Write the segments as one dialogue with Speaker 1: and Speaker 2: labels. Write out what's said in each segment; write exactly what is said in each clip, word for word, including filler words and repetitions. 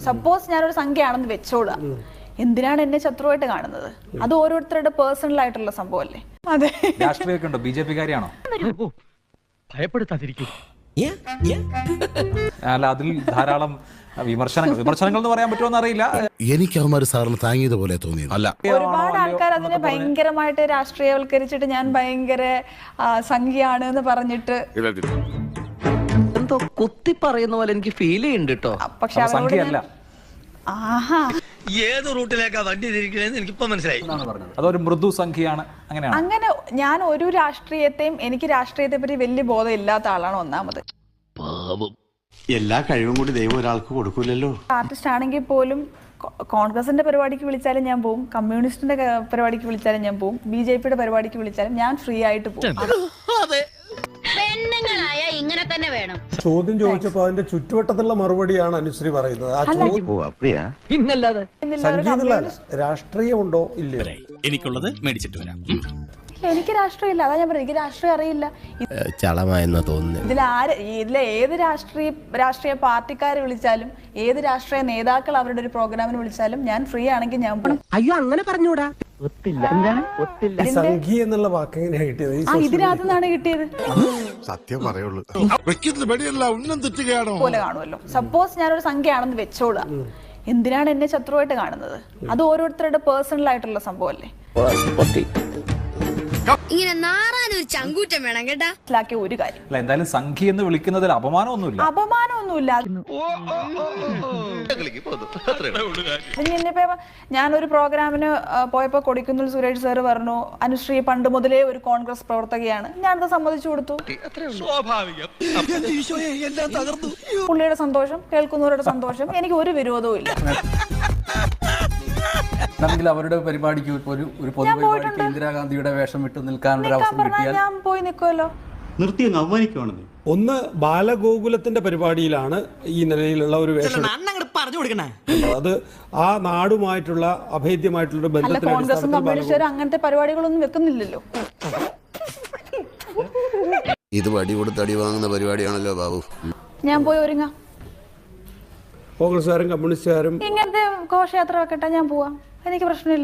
Speaker 1: Suppose ഞാനൊരു സംഖ്യയാണെന്ന് വെച്ചോളുക, എന്തിനാണ് എന്നെ ശത്രുവായിട്ട് കാണുന്നത്? അത് ഓരോരുത്തരുടെ പേഴ്സണൽ ആയിട്ടുള്ള സംഭവമല്ലേ. അതെ,
Speaker 2: രാഷ്ട്രീയമൊക്കെ ഉണ്ടോ? ബി ജെ പിക്കാരിയാണോ?
Speaker 3: ഭയപ്പെടുത്താതിരിക്കും.
Speaker 2: അല്ല, അതിൽ ധാരാളം വിമർശനങ്ങൾ വിമർശനങ്ങൾ എന്ന് പറയാൻ പറ്റുമോ അറിയില്ല.
Speaker 4: എനിക്ക് അവന്മാർ സാറിന് താങ്ങിയതുപോലെ തോന്നി. അല്ല,
Speaker 1: ഒരുപാട് ആൾക്കാർ അതിനെ ഭയങ്കരമായിട്ട് രാഷ്ട്രീയവൽക്കരിച്ചിട്ട് ഞാൻ ഭയങ്കര സംഖ്യയാണ് എന്ന് പറഞ്ഞിട്ട്
Speaker 5: എന്തോ കുത്തി പറയുന്ന പോലെ എനിക്ക് ഫീൽ ചെയ്യുന്നുണ്ട് കേട്ടോ.
Speaker 1: പക്ഷെ
Speaker 2: സംഖ്യയല്ല.
Speaker 1: ആഹാ,
Speaker 3: ഏത് റൂട്ടിലേക്കാ വണ്ടി തിരിക്കണേന്ന് എനിക്കിപ്പോ മനസ്സിലായി.
Speaker 2: അതൊരു മൃദു സംഖ്യയാണ്. അങ്ങനെയാണ്.
Speaker 1: അങ്ങനെ ഞാൻ ഒരു രാഷ്ട്രീയത്തെയും എനിക്ക് രാഷ്ട്രീയത്തെ പറ്റി വലിയ ബോധം ഇല്ലാത്ത ആളാണ് ഒന്നാമത്.
Speaker 6: എല്ലാ കഴിവും കൂടി ദൈവം ഒരാൾക്ക് കൊടുക്കൂലല്ലോ.
Speaker 1: ആർട്ടിസ്റ്റ് ആണെങ്കിൽ പോലും കോൺഗ്രസിന്റെ പരിപാടിക്ക് വിളിച്ചാലും ഞാൻ പോവും, കമ്മ്യൂണിസ്റ്റിന്റെ പരിപാടിക്ക് വിളിച്ചാലും ഞാൻ പോവും, ബി ജെ പിയുടെ പരിപാടിക്ക് വിളിച്ചാലും ഞാൻ ഫ്രീ ആയിട്ട് പോകും.
Speaker 7: പെണ്ണുങ്ങളായ ഇങ്ങനെ തന്നെ വേണം.
Speaker 8: ചോദ്യം ചോദിച്ചപ്പോ അതിന്റെ ചുറ്റുവട്ടത്തുള്ള മറുപടിയാണ് അനുശ്രീ പറയുന്നത്. രാഷ്ട്രീയമുണ്ടോ ഇല്ലയോ?
Speaker 4: എനിക്കുള്ളത് മേടിച്ചിട്ട് വരാം.
Speaker 1: എനിക്ക് രാഷ്ട്രീയമില്ല, അതാ ഞാൻ പറയുന്നത്. എനിക്ക് രാഷ്ട്രീയം അറിയില്ല.
Speaker 4: ചളമായെന്നാ തോന്നുന്നു.
Speaker 1: ഇതിൽ ആര് ഇതിലെ ഏത് രാഷ്ട്രീയ രാഷ്ട്രീയ പാർട്ടിക്കാരെ വിളിച്ചാലും ഏത് രാഷ്ട്രീയ നേതാക്കൾ അവരുടെ ഒരു പ്രോഗ്രാമിന് വിളിച്ചാലും ഞാൻ ഫ്രീ ആണെങ്കിൽ ഞാൻ പോകും.
Speaker 5: അയ്യോ, അങ്ങനെ പറഞ്ഞൂടാ.
Speaker 8: സംഖ്യ എന്നുള്ള വാക്ക് എങ്ങനെയാ കിട്ടിയത്?
Speaker 1: ആ, ഇതിനകത്ത് നിന്നാണ് കിട്ടിയത്.
Speaker 6: സത്യം പറയുള്ളൂ.
Speaker 1: പോലെ കാണുമല്ലോ. സപ്പോസ് ഞാനൊരു സംഖ്യയാണെന്ന് വെച്ചോളുക, എന്തിനാണ് എന്നെ ശത്രുവായിട്ട് കാണുന്നത്? അത് ഓരോരുത്തരുടെ പേഴ്സണൽ ആയിട്ടുള്ള സംഭവമല്ലേ.
Speaker 7: ഇങ്ങനെ നാറാനൊരു ചങ്കൂറ്റം വേണം കേട്ടാ.
Speaker 1: മനസ്സിലാക്കിയ ഒരു കാര്യം,
Speaker 2: അല്ല, എന്തായാലും സംഖ്യ എന്ന് വിളിക്കുന്നതിൽ അപമാനമൊന്നുമില്ല.
Speaker 1: അപമാനമൊന്നുമില്ല. ഇനിയിപ്പോ ഞാനൊരു പ്രോഗ്രാമിന് പോയപ്പോ കൊടിക്കുന്നിൽ സുരേഷ് സാറ് പറഞ്ഞു അനുശ്രീ പണ്ട് മുതലേ ഒരു കോൺഗ്രസ് പ്രവർത്തകയാണ്. ഞാനത് സമ്മതിച്ചു കൊടുത്തു. പുള്ളിയുടെ സന്തോഷം, കേൾക്കുന്നവരുടെ സന്തോഷം, എനിക്ക് ഒരു വിരോധവും ഇല്ല.
Speaker 9: അവരുടെ പരിപാടിക്ക് ഒരു ഒരു പൊതുപരിപാടിക്ക് ഇന്ദിരാഗാന്ധിയുടെ വേഷം വിട്ട് നിൽക്കാനുള്ള അവസരം കിട്ടിയാൽ
Speaker 1: ഞാൻ പോയി നിൽക്കുമല്ലോ.
Speaker 6: നിർത്തി അങ്ങ് അവമാനിക്കുവാണെന്ന്.
Speaker 8: ഒന്ന് ബാലഗോകുലത്തിന്റെ പരിപാടിയിലാണ് ഈ നിലയിലുള്ള ഒരു വേഷം. അത് ആ നാടുമായിട്ടുള്ള അഭേദ്യമായിട്ടുള്ള
Speaker 1: അല്ല,
Speaker 8: ബന്ധത്തിന്റെ
Speaker 1: കോൺഗ്രസും കമ്മ്യൂണിസ്റ്റുകാരും അങ്ങനത്തെ പരിപാടികളൊന്നും വെക്കുന്നില്ലല്ലോ.
Speaker 4: ഇത് വടി കൊടുത്ത് അടി വാങ്ങുന്ന പരിപാടിയാണല്ലോ ബാബു.
Speaker 1: ഞാൻ പോയി ഒരുങ്ങാം.
Speaker 8: കോൺഗ്രസ്സുകാരും കമ്മ്യൂണിസ്റ്റുകാരും
Speaker 1: ഇങ്ങനത്തെ ഘോഷയാത്ര വെക്കട്ടെ, ഞാൻ പോവാം, എനിക്ക് പ്രശ്നമില്ല.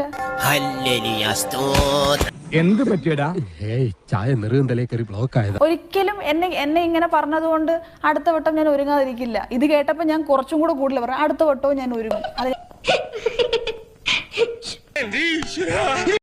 Speaker 3: എന്ത് പറ്റിയടാ? ചായ നെറുകന്തലേ കയറി ബ്ലോക്ക് ആയത്.
Speaker 1: ഒരിക്കലും എന്നെ എന്നെ ഇങ്ങനെ പറഞ്ഞതുകൊണ്ട് അടുത്ത വട്ടം ഞാൻ ഒരുങ്ങാതിരിക്കില്ല. ഇത് കേട്ടപ്പോ ഞാൻ കുറച്ചും കൂടെ കൂടുതൽ പറയാം, അടുത്ത വട്ടവും ഞാൻ ഒരുങ്ങും. അത്